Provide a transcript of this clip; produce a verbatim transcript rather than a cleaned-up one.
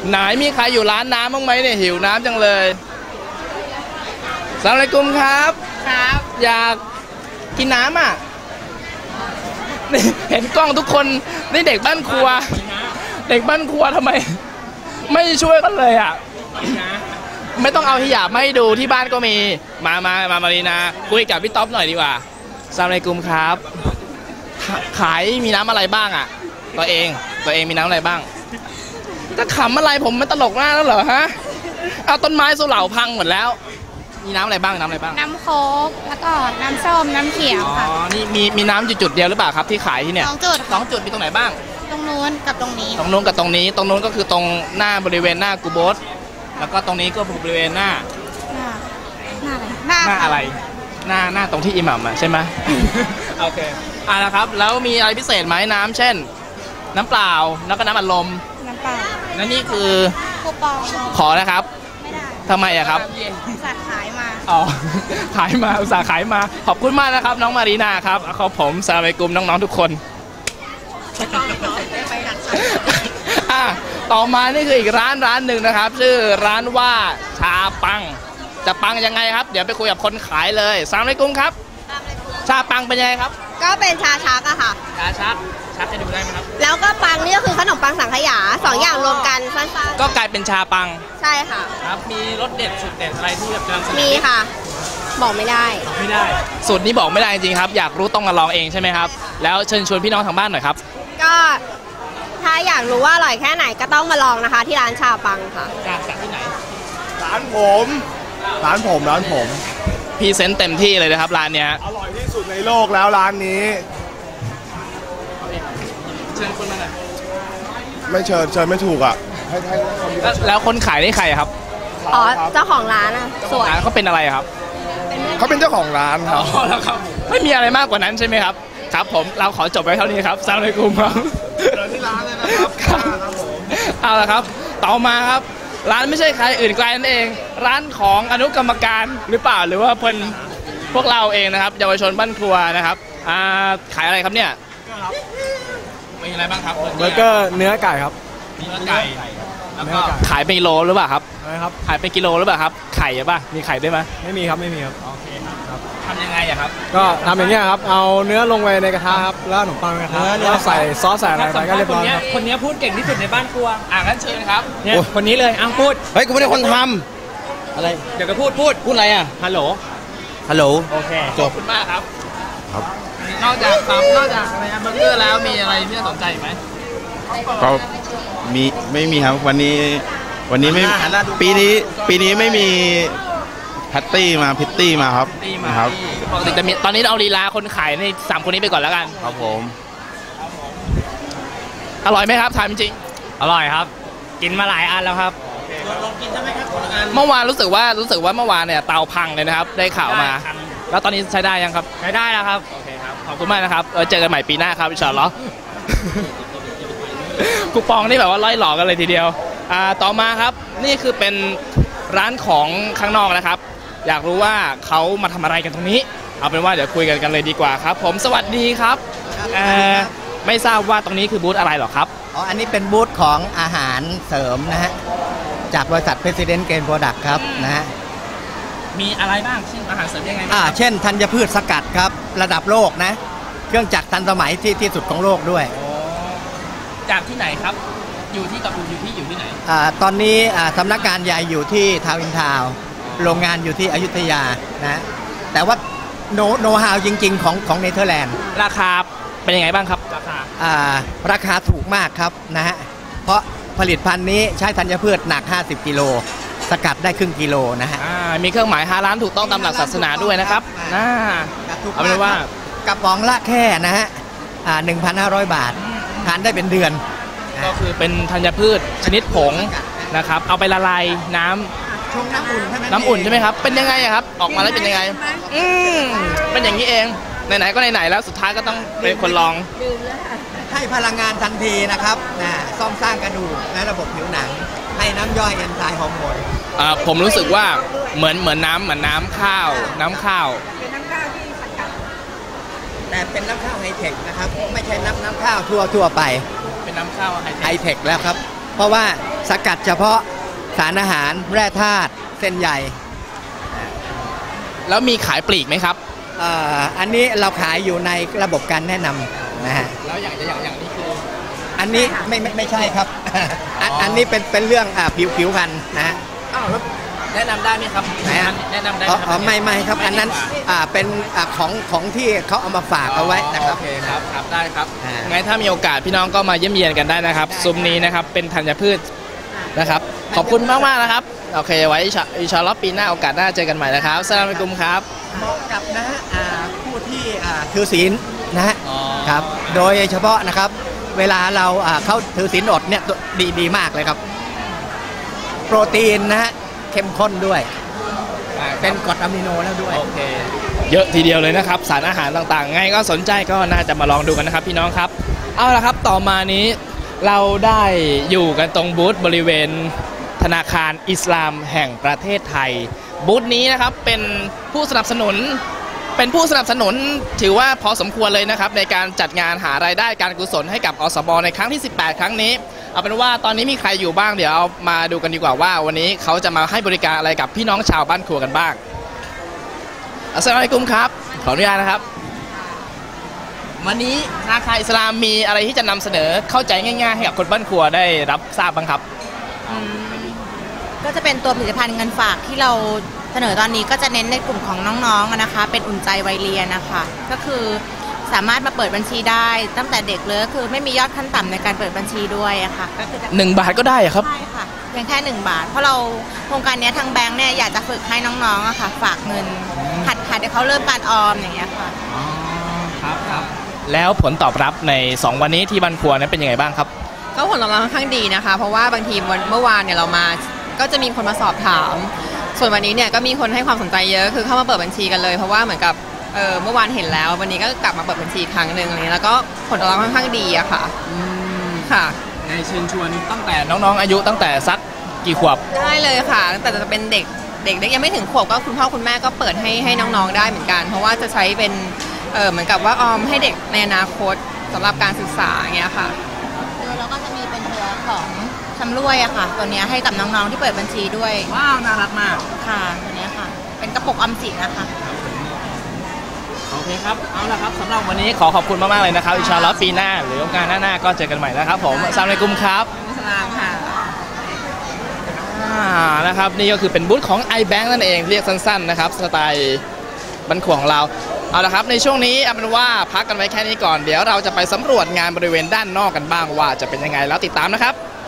ไหนมีใครอยู่ร้านน้ำบ้างไหมเนี่ยหิวน้ำจังเลยสลามอะลัยกุมครับครับอยากกินน้ำอ่ะเห็นกล้องทุกคนนี่เด็กบ้านครัวเด็กบ้านครัวทำไมไม่ช่วยกันเลยอ่ะไม่ต้องเอาฮิญาบมาให้ดูที่บ้านก็มีมามามามารีนาคุยกับพี่ต๊อบหน่อยดีกว่าสลามอะลัยกุมครับขายมีน้ำอะไรบ้างอ่ะตัวเองตัวเองมีน้ำอะไรบ้างจะขำอะไรผมมันตลกมากแล้วเหรอฮะเอาต้นไม้สุเหร่าพังหมดแล้วมีน้ำอะไรบ้างน้ำอะไรบ้างน้ำโค้กแล้วก็น้ำส้มน้ำเขียวค่ะอ๋อนี่มีมีน้ำจุดเดียวหรือเปล่าครับที่ขายที่เนี่ยสองจุดสองจุดมีตรงไหนบ้างตรงนู้นกับตรงนี้ตรงนู้นกับตรงนี้ตรงนู้นก็คือตรงหน้าบริเวณหน้ากูโบสแล้วก็ตรงนี้ก็บริเวณหน้าหน้าหน้าอะไรหน้าอะไรหน้าหน้าตรงที่อิหมัมอ่ะใช่ไหมโอเคอ่ะนะครับแล้วมีอะไรพิเศษไหมน้ำเช่นน้ำเปล่าแล้วก็น้ำอัดลมน้ำเปล่าแล้วนี่คือคูปองขอนะครับไม่ได้ทำไมอะครับอุตส่าห์ขายมาอ๋อขายมาอุตส่าห์ขายมาขอบคุณมากนะครับน้องมารีนาครับขอบผมสลามอะลัยกุมน้องๆทุกคนอ่ะต่อมานี่คืออีกร้านร้านหนึ่งนะครับชื่อร้านว่าชาปังจะปังยังไงครับเดี๋ยวไปคุยกับคนขายเลยสลามอะลัยกุมครับชาปังเป็นยังไงครับก็เป็นชาชักอะค่ะชาชักชักจะดูได้ไหมครับแล้วก็ปังนี่ก็คือขนมปังสังขยาสองอย่างรวมกันสั้นๆก็กลายเป็นชาปังใช่ค่ะครับมีรสเด็ดสุดเด็ดอะไรที่แบบจะมีค่ะบอกไม่ได้ไม่ได้สูตรนี้บอกไม่ได้จริงๆครับอยากรู้ต้องมาลองเองใช่ไหมครับแล้วเชิญชวนพี่น้องทางบ้านหน่อยครับก็ถ้าอยากรู้ว่าอร่อยแค่ไหนก็ต้องมาลองนะคะที่ร้านชาปังค่ะจากที่ไหนร้านผมร้านผมร้านผมพรีเซนต์เต็มที่เลยนะครับร้านเนี้ยอร่อยที่สุดในโลกแล้วร้านนี้เชิญคนมาหน่อยไม่เชิญเชิญไม่ถูกอ่ะแล้วคนขายนี่ใครครับอ๋อเจ้าของร้านอ่ะสวยเขาเป็นอะไรครับเขาเป็นเจ้าของร้านครับอ๋อแล้วครับไม่มีอะไรมากกว่านั้นใช่ไหมครับครับผมเราขอจบไว้เท่านี้ครับสลามอะลัยกุมครับเดินที่ร้านเลยนะครับเอาละครับต่อมาครับร้านไม่ใช่ใครอื่นไกลนั่นเองร้านของอนุกรรมการหรือเปล่าหรือว่าเพิ่นพวกเราเองนะครับเยาวชนบ้านครัวนะครับอ่าขายอะไรครับเนี่ยมีอะไรบ้างครับเบอร์เกอร์เนื้อไก่ครับเนื้อไก่แล้วก็ขายเป็นกิโลหรือเปล่าครับอะไรครับขายเป็นกิโลหรือเปล่าครับไข่ป่ะมีไข่ด้วยไหมไม่มีครับไม่มีครับโอเคครับทำยังไงอะครับก็ทำอย่างเงี้ยครับเอาเนื้อลงไปในกระทะครับแล้วขนมปังในกระทะแล้วใส่ซอสใส่อะไรไปก็เรียบร้อยครับคนนี้พูดเก่งที่สุดในบ้านครัวอ่ะงั้นเชิญครับเนี่ยคนนี้เลยอ้าวพูดเฮ้ยกูไม่ได้คนทำอะไรเดี๋ยวก็พูดพูดพูดอะไรอ่ะฮัลโหลฮัลโหลโอเคขอบคุณมากครับครับนอกจากครับนอกจากอะไรนะเบอร์เกอร์แล้วมีอะไรที่น่าสนใจไหมก็มีไม่มีครับวันนี้วันนี้ไม่ปีนี้ปีนี้ไม่มีแพตตี้มาพิตตี้มาครับครับปกติจะมีตอนนี้เอาลีลาคนขายในสามคนนี้ไปก่อนแล้วกันครับผมอร่อยไหมครับถามจริงอร่อยครับกินมาหลายอันแล้วครับลองกินใช่ไหมครับเมื่อวานรู้สึกว่ารู้สึกว่าเมื่อวานเนี่ยเตาพังเลยนะครับได้ข่าวมาแล้วตอนนี้ใช้ได้ยังครับใช้ได้แล้วครับโอเคครับขอบคุณมากนะครับเจอกันใหม่ปีหน้าครับอินชาอัลลอฮ์คูปองนี่แบบว่าล่อยหลอกกันเลยทีเดียวอ่าต่อมาครับนี่คือเป็นร้านของข้างนอกนะครับอยากรู้ว่าเขามาทำอะไรกันตรงนี้เอาเป็นว่าเดี๋ยวคุยกันกันเลยดีกว่าครับผมสวัสดีครับไม่ทราบว่าตรงนี้คือบูธอะไรหรอครับอ๋ออันนี้เป็นบูธของอาหารเสริมนะฮะจากบริษัท President Grain Product ครับนะฮะมีอะไรบ้างเช่นอาหารเสริมยังไงอ่าเช่นธัญพืชสกัดครับระดับโลกนะเครื่องจักรทันสมัยที่ที่สุดของโลกด้วยจากที่ไหนครับอยู่ที่กับอยู่ที่อยู่ที่ไหนอ่าตอนนี้อ่าสำนักงานใหญ่อยู่ที่ทาวน์อินทาวน์โรงงานอยู่ที่อยุธยานะแต่ว่าโนโนฮาวจริงๆของของเนเธอร์แลนด์ราคาเป็นยังไงบ้างครับราคาอ่าราคาถูกมากครับนะฮะเพราะผลิตภัณฑ์นี้ใช้ธัญพืชหนักห้าสิบกิโลสกัดได้ครึ่งกิโลนะฮะมีเครื่องหมายฮาลาลถูกต้องตามหลักศาสนาด้วยนะครับน่าเอาเป็นว่ากระป๋องละแค่นะฮะอ่า หนึ่งพันห้าร้อย บาททานได้เป็นเดือนก็คือเป็นธัญพืชชนิดผงนะครับเอาไปละลายน้ำชงน้ำอุ่นใช่ไหมน้ำอุ่นใช่ไหมครับเป็นยังไงครับออกมาแล้วเป็นยังไงอืมเป็นอย่างนี้เองไหนๆก็ไหนๆแล้วสุดท้ายก็ต้องเป็นคนลองให้พลังงานทันทีนะครับนะซ่อมสร้างกระดูกและระบบผิวหนังให้น้ำย่อยเอนไซม์ฮอร์โมนอ่าผมรู้สึกว่าเหมือนเหมือนน้ำเหมือนน้ำข้าวน้ำข้าวเป็นน้ำข้าวที่สกัดแต่เป็นน้ำข้าวไฮเทคนะครับไม่ใช่น้ำน้ำข้าวทั่วทั่วไปเป็นน้ำข้าวไฮเทคแล้วครับเพราะว่าสกัดเฉพาะสารอาหารแร่ธาตุเส้นใยแล้วมีขายปลีกไหมครับเอ่ออันนี้เราขายอยู่ในระบบการแนะนำนะฮะแล้วอย่างอย่างอย่างนี้คืออันนี้ไม่ไม่ไม่ใช่ครับ อันอันนี้เป็นเป็นเรื่องอ่าผิวผิวพรรณนะฮะอ้าวแล้วแนะนำได้ไหมครับไหนฮะแนะนำได้อ๋ไหอมอ๋อไม่ไม่ครับอันนั้นอ่าเป็นอ่าของของที่เขาเอามาฝากเอาไว้นะครับโอเคครับครับได้ครับอ่างั้นถ้ามีโอกาสพี่น้องก็มาเยี่ยมเยียนกันได้นะครับได้ซุ้มนี้นะครับเป็นธัญพืชนะครับ ขอบคุณมากมากๆนะครับโอเคไว้อินชาอินชาอัลลอฮ์ปีหน้าโอกาสหน้าเจอกันใหม่นะครับอัสสลามุอะลัยกุมครับเหมาะกับนะฮะอ่าผู้ที่อ่าถือศีลนะฮะอ๋อครับโดยเฉพาะนะครับเวลาเราอ่าเข้าถือศีลอดเนี่ยดีดีมากเลยครับ โปรตีนนะฮะเข้มข้นด้วย เป็นกรดอะมิโนแล้วด้วยโอเคเยอะทีเดียวเลยนะครับสารอาหารต่างๆไงก็สนใจก็น่าจะมาลองดูกันนะครับพี่น้องครับเอาละครับต่อมานี้เราได้อยู่กันตรงบูธบริเวณธนาคารอิสลามแห่งประเทศไทยบูธนี้นะครับเป็นผู้สนับสนุนเป็นผู้สนับสนุนถือว่าพอสมควรเลยนะครับในการจัดงานหารายได้การกุศลให้กับอสบในครั้งที่ สิบแปด ครั้งนี้เอาเป็นว่าตอนนี้มีใครอยู่บ้างเดี๋ยวเอามาดูกันดีกว่าว่าวันนี้เขาจะมาให้บริการอะไรกับพี่น้องชาวบ้านครัวกันบ้างอัสสลามุอะลัยกุมครับขออนุญาตนะครับวันนี้ธนาคารอิสลามมีอะไรที่จะนำเสนอเข้าใจง่ายๆให้กับคนบ้านครัวได้รับทราบบ้างครับอืมก็จะเป็นตัวผลิตภัณฑ์เงินฝากที่เราเสนอตอนนี้ก็จะเน้นในกลุ่มของน้องๆอะนะคะ เป็นอุ่นใจวัยเรียนนะคะก็คือสามารถมาเปิดบัญชีได้ตั้งแต่เด็กเลยก็คือไม่มียอดขั้นต่ำในการเปิดบัญชีด้วยอะค่ะก็คือจะหนึ่งบาทก็ได้เหรอครับใช่ค่ะเพียงแค่หนึ่งบาท เพราะเราโครงการเนี้ยทางแบงค์เนี่ยอยากจะฝึกให้น้องๆอะค่ะฝากเงินหัดหัดให้เขาเริ่มการออมอย่างเงี้ยค่ะครับครับแล้วผลตอบรับในสองวันนี้ที่บ้านครัวนั้นเป็นยังไงบ้างครับก็ผลตอบรับค่อนข้างดีนะคะ เพราะว่าบางทีวันเมื่อวานเนี่ยเรามาก็จะมีคนมาสอบถาม ส่วนวันนี้เนี่ยก็มีคนให้ความสนใจเยอะคือเข้ามาเปิดบัญชีกันเลยเพราะว่าเหมือนกับเออเมื่อวานเห็นแล้ววันนี้ก็กลับมาเปิดบัญชีอีกครั้งหนึ่งอะไรเงี้ยแล้วก็ผลตอบรับค่อนข้างดีอะค่ะค่ะในเชิญชวนตั้งแต่น้องๆอายุตั้งแต่สักกี่ขวบได้เลยค่ะตั้งแต่จะเป็นเด็กเด็กเล็กยังไม่ถึงขวบก็คุณพ่อคุณแม่ก็เปิดให้ให้น้องๆได้เหมือนกัน เพราะว่าจะใช้เป็นเออเหมือนกับว่าออมให้เด็กในอนาคตสำหรับการศึกษาอย่างเงี้ยค่ะแล้วก็จะมีเป็นตัวของชำร่วยอะค่ะ ตัวเนี้ยให้กับน้องๆที่เปิดบัญชีด้วยว้าวน่ารักมากค่ะตัวเนี้ยค่ะ เป็นกระปุกออมสินนะคะโอเคครับเอาละครับสำหรับวันนี้ขอขอบคุณมากๆเลยนะครับอินชาอัลลอฮ์ปีหน้าหรือโอกาสหน้าๆก็เจอกันใหม่นะครับผมอัสสลามุอะลัยกุมครับสลามค่ะอ่านะครับนี่ก็คือเป็นบูธของ iBank นั่นเองเรียกสั้นๆนะครับสไตล์บันขวของเราเอาละครับในช่วงนี้เอาเป็นว่าพักกันไว้แค่นี้ก่อนเดี๋ยวเราจะไปสำรวจงานบริเวณด้านนอกกันบ้างว่าจะเป็นยังไงแล้วติดตามนะครับ